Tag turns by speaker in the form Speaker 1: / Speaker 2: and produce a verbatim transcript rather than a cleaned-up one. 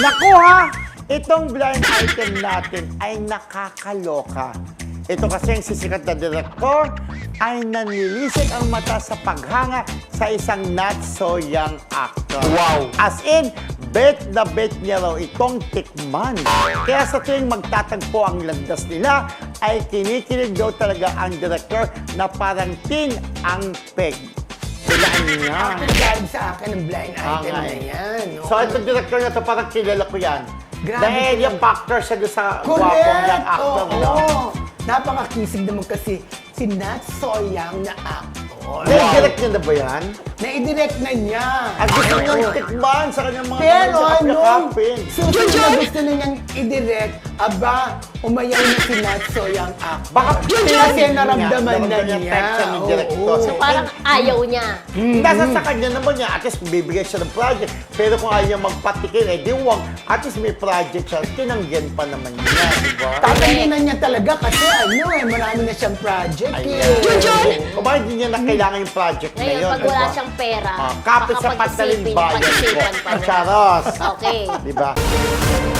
Speaker 1: Naku ha! Itong blind item natin ay nakakaloka. Ito kasi ang sisikat na direktor ay nanlilisik ang mata sa paghanga sa isang not so young actor.
Speaker 2: Wow!
Speaker 1: As in, bet na bet niya raw itong tikman. Kaya sa tuwing magtatagpo ang landas nila, ay kinikilig daw talaga ang direktor na parang tin ang peg. Kailangan niya.
Speaker 3: Galing sa akin ang blind item
Speaker 1: Ah,
Speaker 3: na yan. No?
Speaker 1: So, itong director na to parang kilala ko yan.
Speaker 3: Grabe
Speaker 1: Dahil
Speaker 3: siya.
Speaker 1: yung factor siya doon sa gwapong
Speaker 3: Correct!
Speaker 1: yung actor.
Speaker 3: Oo!
Speaker 1: no?
Speaker 3: Napakakisig naman kasi si Nat Soyang na actor.
Speaker 1: Nai-direct niya na ba yan?
Speaker 3: Na-direct na niya.
Speaker 1: At gusto niyang
Speaker 3: Oo.
Speaker 1: tikman sa kanyang mga
Speaker 3: Pero
Speaker 1: kapya
Speaker 3: nung
Speaker 1: kapin.
Speaker 3: susunod na gusto na niyang i-direct, aba, umayaw na si Nat Soyang actor.
Speaker 1: Baka
Speaker 3: kasi naramdaman na
Speaker 1: yung
Speaker 3: niya.
Speaker 1: text siya ng director.
Speaker 3: Oo.
Speaker 1: So,
Speaker 4: Parang ayaw niya.
Speaker 1: Nasa sa kanya naman niya, at least bibigyan siya ng project. Pero kung ayaw niya magpatikin, eh di wag. At least may project siya, tinanggihan pa naman niya, di ba?
Speaker 3: Tatanginan niya talaga kasi ano eh, marami na siyang project eh.
Speaker 1: Ayan. Kung bakit hindi niya na kailangan yung project na
Speaker 4: Ngayon,
Speaker 1: yun?
Speaker 4: pag wala
Speaker 1: diba?
Speaker 4: siyang pera,
Speaker 1: Ah, kapit sa
Speaker 4: baka
Speaker 1: pataling
Speaker 4: pag-isipin,
Speaker 1: bayan ko.
Speaker 4: pag-isipan pa niya.
Speaker 1: Charos.
Speaker 4: Okay.
Speaker 1: Di ba?